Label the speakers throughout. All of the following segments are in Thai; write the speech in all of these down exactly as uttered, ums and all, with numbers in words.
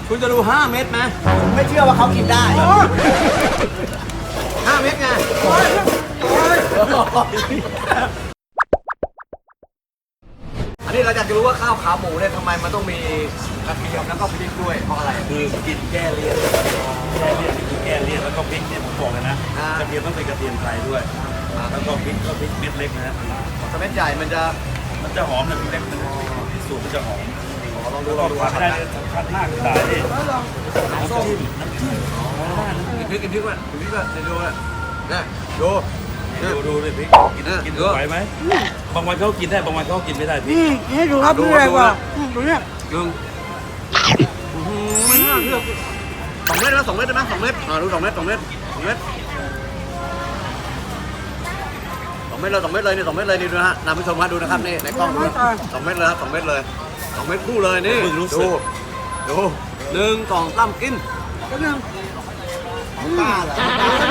Speaker 1: คุณจะดูห้าเม็ดไหม
Speaker 2: ไม่เชื่อว่าเขากินได้
Speaker 1: ห้าเม็ดไงอันนี้เราอยากจะรู้ว่าข้าวขาหมูเนี่ยทำไมมันต้องมีกระเทียมแล้วก็พริกด้วยเพราะอะไร
Speaker 3: คือกินแก้เลี่ยนแก้เลี่ยนคือแก้เลี่ยนแล้วก็พริกเนี่ยผมบอกเลยนะกระเทียมต้องเป็นกระเทียมไทยด้วยแล้วก็พริกก็พริกเม็ดเล็กนะฮะ
Speaker 1: ถ้าเม็ดใหญ่มันจะ
Speaker 3: มันจะหอมนะพริกเล็กมันสูตรมันจะหอม
Speaker 1: ลองดู
Speaker 3: แล้ว
Speaker 1: ล
Speaker 3: ก็
Speaker 1: องดู
Speaker 3: ขาดไม่ได้สำคัญมากคือสายนี่
Speaker 1: น้ำส้มน้ำจิ้มกินพริกกินพริกมั้ยกินพริกมั้ยเดี๋ยวดูนะนี่ดู
Speaker 3: ดูดูเลยพริกกินกินไหวไหมบางวันเขากินได้บางวันเขากินไม่ได้พริก
Speaker 2: นี่ให้ดูครับดูเลยว่าดูเนี่ย
Speaker 1: กึ่งไม่น่าเชื่อสองเม็ดนะสองเม็ดได้ไหมสองเม็ดอ่าดูสองเม็ดสองเม็ดสองเม็ดสองเม็ดเลยสองเม็ดเลยนี่สองเม็ดเลยนี่ดูนะฮะนำผู้ชมมาดูนะครับนี่ในกล้องดูสองเม็ดเลยครับสองเม็ดเลยสองเม็ดคู่เลยนี่ดูดูหนึ่งสองสามกิน
Speaker 2: ก็นึงป้าเหรอ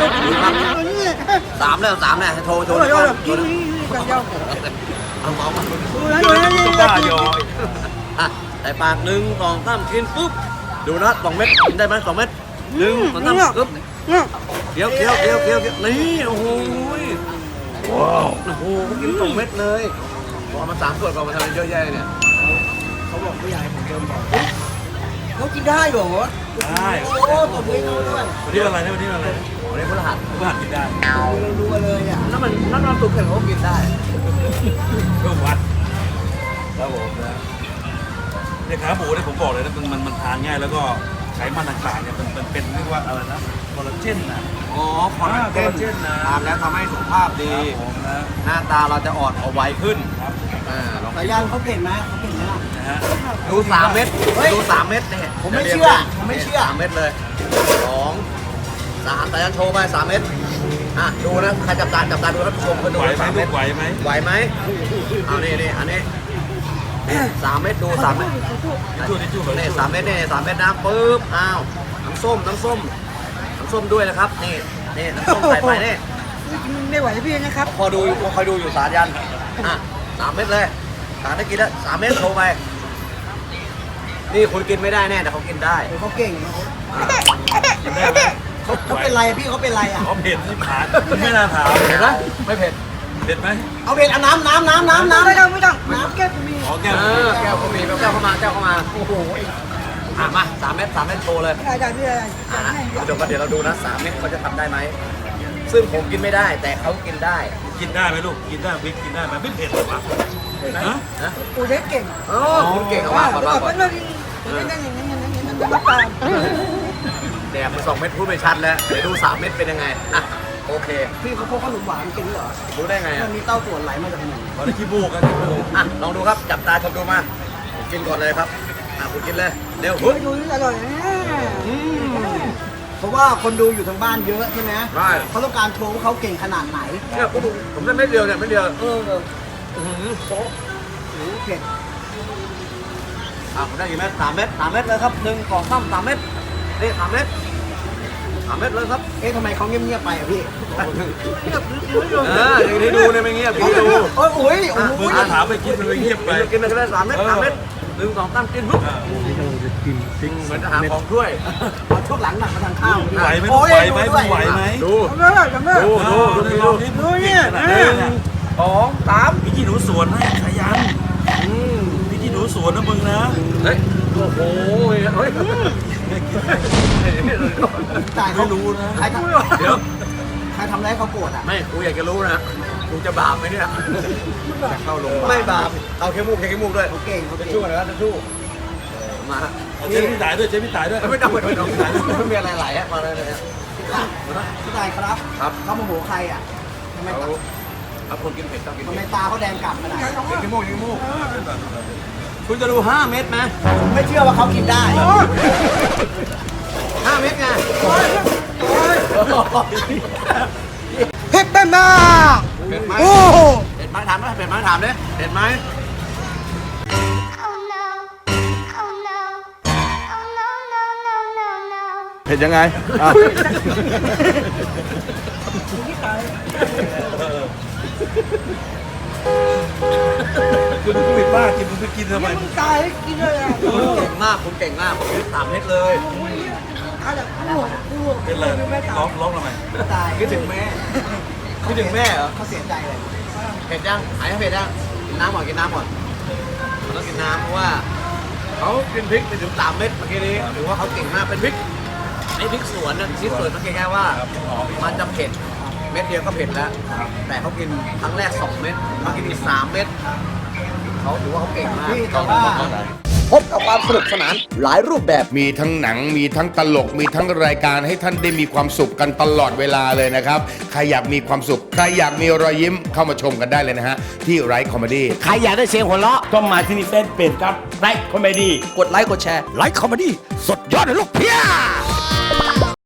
Speaker 1: สามแล้วสามแล้วโชว์โชว์
Speaker 2: โอ้ย
Speaker 1: โช
Speaker 2: โอ้ย
Speaker 1: ว์
Speaker 2: กินกันยาว
Speaker 1: เอาเมาส์มา
Speaker 2: ดูนะดูนะนี่
Speaker 3: บ้าหยอ
Speaker 1: อ่ะใส่ปากหนึ่งสองสามกินปุ๊บดูนะสองเม็ดกินได้ไหมสองเม็ดหนึ่งสองสามปึ๊บเคี้ยวเคี้ยวเคี้ยวเคี้ยวนี่โอ้โหว้าวโอ้โหเขากินสองเม็ดเลยพอมาสามส่วนก่อนมาทำอะไรเยอะแยะเนี่ย
Speaker 2: เขาบอกผู้ใหญ่ผมเดินบอกเขากินได้เหรอ
Speaker 3: ได้
Speaker 2: โอ้ตบมือเขาด้วย
Speaker 3: วันนี้อะไรนะวันนี้อะไรนะ
Speaker 1: วันนี้พฤหัส
Speaker 3: ผู้หัดกินได้
Speaker 2: รัวเลยอ่ะ
Speaker 1: นั่นมันนั่นมันตุกเข็มเขากินได้
Speaker 3: ก็วัดครับผมนะเนี่ยขาหมูเนี่ยผมบอกเลยนะมันมันมันทานง่ายแล้วก็ไขมันต่างๆเนี่ยมันมันเป็นเรียกว่าอะไรนะคอลลาเจนนะ
Speaker 1: อ๋อคอลลาเจนทานแล้วทำให้สุขภาพดี
Speaker 3: ผมนะ
Speaker 1: หน้าตาเราจะอ่อนเอาไวขึ้น
Speaker 3: ครับ
Speaker 1: อ่าลอง
Speaker 2: สายันเขาเก่งไหมเขาเก่งไหมล่ะ
Speaker 3: นะฮะ
Speaker 1: ดูสามเม็ดดูสามเม็ดเนี่ย
Speaker 2: ผมไม่เชื่อผมไม่เชื่อ
Speaker 1: สามเม็ดเลยสองสามแต่ยันโชว์ไปสามเม็ดอ่ะดูนะใครจับตาจับตาดูท่านผู้ชมก็ดู
Speaker 3: ไหวไหม
Speaker 1: สาม
Speaker 3: ลู
Speaker 1: เม็ด
Speaker 3: กไหวไหม
Speaker 1: ไหวไหมเอานี่นี่อันนี้สามเม็ดดูสามเม็ด
Speaker 3: ทิชชู่ทิชชู่แบบ
Speaker 1: นี่สามเม็ดนี่สามเม็ดนะปึ๊บอ้าวน้ำส้มน้ำส้มน้ำส้มด้วยนะครับนี่นี่น้ำส้มใส่ไปนี่
Speaker 2: ไม่ไหวพี่นะครับ
Speaker 1: พอดูคอยดูอยู่สายันอ่ะสามเม็ดเลยสามได้กินแล้วสามเม็ดโชว์ไปนี่คุณกินไม่ได้แน่แต่เขากินได้
Speaker 2: เขาเก่ง
Speaker 3: กินได้ไหม
Speaker 2: เขาเขาเป็นไรพี่เขาเป็นไรอ่ะ
Speaker 3: เขาเผ็ดที่ผ่านไม่น่าถาม
Speaker 1: เห็นไหมไม่เผ็ด
Speaker 3: เผ็ดไหม
Speaker 2: เอาเป็นเอาน้ำน้ำน้ำน้ำน้ำไม่ต้องไม่ต้องน้ำแก้วมี
Speaker 3: ขอแก้ว
Speaker 1: เออแก้วก็มีแก้วเข้ามาแก้วเข้ามา
Speaker 2: โอ้โห
Speaker 1: อ่ะมาสามเม็ดสามเม็ดโชว์เลย
Speaker 2: ได้ได้พี่ได้
Speaker 1: อ่ะนะเดี๋ยวเดี๋ยวเราดูนะสามเม็ดเขาจะทำได้ไหมซึ่งผมกินไม่ได้แต่เขากินได้
Speaker 3: กินได้ไหมลูกกินได้พริกกินได้ไหมไม่เผ็ดหรอวะฮะ
Speaker 1: นะ
Speaker 2: ปูเด็กเก่ง
Speaker 1: โอ้คุณเก่งเอามาก่อนมาก่อน
Speaker 2: เป็นอย่างนี้อย่างนี้อย่างนี้อย่างนี้มันตาม
Speaker 1: แดกมาสองเม็ดพูดไม่ชัดแล้วเดี๋ยวดูสามเม็ดเป็นยังไงอ่ะโอเค
Speaker 2: พี่เขาพกขนมหวานกินเหรอ
Speaker 1: รู้ได้ไง
Speaker 2: มั
Speaker 1: อ่ะ
Speaker 2: นมีเต้าส่วนไหลมาจากไหน
Speaker 3: ตอนนี้ขี้บูกกันขี้บูก
Speaker 1: อ่ะลองดูครับจับตาชมดูมาผมกินก่อนเลยครับอ่ะคุณกินเลยเร็ว
Speaker 2: เฮ้ยดูนี่อร่อยนะเพราะว่าคนดูอยู่ทางบ้านเยอะใช่ไหม
Speaker 1: ได้
Speaker 2: เขาต้องการโชว์ว่าเขาเก่งขนาดไหน
Speaker 1: เนี่ยผมผมได้เม็ดเดียวเนี่ยเม็ดเดียว
Speaker 2: เออ
Speaker 1: อื้อหือโป๊ะ
Speaker 2: โอ้เผ็ด
Speaker 1: อ่ะผมได้กี่เม็ดสามเม็ดสามเม็ดเลยครับหนึ่งสองสามสามเม็ดนี่สามเม็ดสามเม็ดเลยครับ
Speaker 2: เอ๊ะทำไมเขาเงียบๆไปอ่ะพี่
Speaker 1: เอออย่างที่ดูเนี่ยไม่เงียบอย่างที่ดู
Speaker 2: โอ้ยโอ้ยโอ้
Speaker 3: มึง
Speaker 2: ย
Speaker 3: ก็ถามไปกินมันไปเงียบไป
Speaker 1: กินไปกินไปเลยสามเม็ดสามเม็ดหนึ่งสองสามกินปุ๊บเหมือนจะหาของช่วย
Speaker 2: ช่วงหลังหนักมาทางข้าว
Speaker 3: ไหวไหมลูกไหวไหมมึงไหวไหม
Speaker 1: ดู
Speaker 2: เอาเลยเอาเลย
Speaker 1: ดูดูดูดู
Speaker 3: ดูเนี่ย
Speaker 1: หนึ่งสองสาม
Speaker 3: พี่กี้หนูสวนให้ขยัน
Speaker 1: อืม
Speaker 3: พี่กี้หนูสวนนะมึงนะ
Speaker 1: เฮ้ยโอ้โหเฮ้ย
Speaker 2: จ่ายเขา
Speaker 3: ไม่รู้นะ
Speaker 2: ใครทำ
Speaker 1: เดี๋ยว
Speaker 2: ใครทำอะไรเขาโกรธอ่ะ
Speaker 1: ไม่กูอยากจะรู้นะกูจะบาปไหมเนี่ยจะเข้าลงไม่บาปเอาแค่มูกแค่มูกด้วย
Speaker 2: เขาเก่งเขา
Speaker 1: จะ
Speaker 2: เก่ง
Speaker 1: ชู้นะจะชู้มา
Speaker 3: เจ๊พี่ตายด้วยเจ๊พี่ตายด้วย
Speaker 1: ไม่ต้องไม่ต้องไม่ต้องไม่มีอะไรไหลอ่ะมาเลยเนี่ย
Speaker 2: พี่ตายครับ
Speaker 1: ครับ
Speaker 2: เขาโมโหใครอ่ะทำไม
Speaker 1: เอาเอาคนกินเผ็ดต้องกิน
Speaker 2: ทำไม
Speaker 1: เผ็ด
Speaker 2: ตาเขาแดงกลับขนาดนั้น
Speaker 1: กินขี้มูกกินขี้มูกคุณจะดูห้าเม็ดไหม
Speaker 2: ผมไม่เชื่อว่าเขากินได้
Speaker 1: ห้าเม็ดไง
Speaker 2: เผ็ดเป็นมาก
Speaker 1: เผ็ดไหม
Speaker 2: โอ้โห
Speaker 1: เผ็ดไหมถามไหมเผ็ดไหมถามดิเผ็ดไหม
Speaker 4: Oh no. Oh no. Oh no, no, no, no, no.
Speaker 1: เผ็ดยังไงอ่ะ
Speaker 3: คุณกูผิดบ้ากินมึงไปกินทำไม
Speaker 2: มึงตายให้กินเลยอ่ะ
Speaker 1: คุณเก่งมากคุณเก่งมากผมสามเม็ดเลย
Speaker 2: ตายแบบกูกู
Speaker 3: เป็นไรร้องร้องทำไม
Speaker 2: ตาย
Speaker 1: คิดถึงแม่คิดถึงแม่เหรอ
Speaker 2: เขาเสียใจเลย
Speaker 1: เผ็ดยังหายเผ็ดยังกินน้ำก่อนกินน้ำก่อนมันต้องกินน้ำเพราะว่าเขากินพริกไปถึงสามเม็ดเมื่อกี้นี้หรือว่าเขาเก่งมากเป็นพริกไอ้พริกสวนนะที่สวนมันแค่ว่า มันจะเผ็ดเม็ดเดียวก็เผ็ดแล้ว แต่เขากินครั้งแรกสองเม็ดเขากินอีกสามเม็ดเขาถือว่าเขาเก่งมาก
Speaker 2: พี่แต่ว่า
Speaker 1: พบกับความสนุกสนานหลายรูปแบบ
Speaker 5: มีทั้งหนังมีทั้งตลกมีทั้งรายการให้ท่านได้มีความสุขกันตลอดเวลาเลยนะครับ ใครอยากมีความสุข ใครอยากมีรอยยิ้มเข้ามาชมกันได้เลยนะฮะ ที่ไรคอมเมดี้
Speaker 6: ใครอยากได้เสียงหัวเราะต้องมาที่นี่เฟซเพจครับไลค์คอมเมดี้
Speaker 1: กดไลค์กดแชร์
Speaker 6: ไลค์คอมเมดี้สดยอดเลยลูกเพีย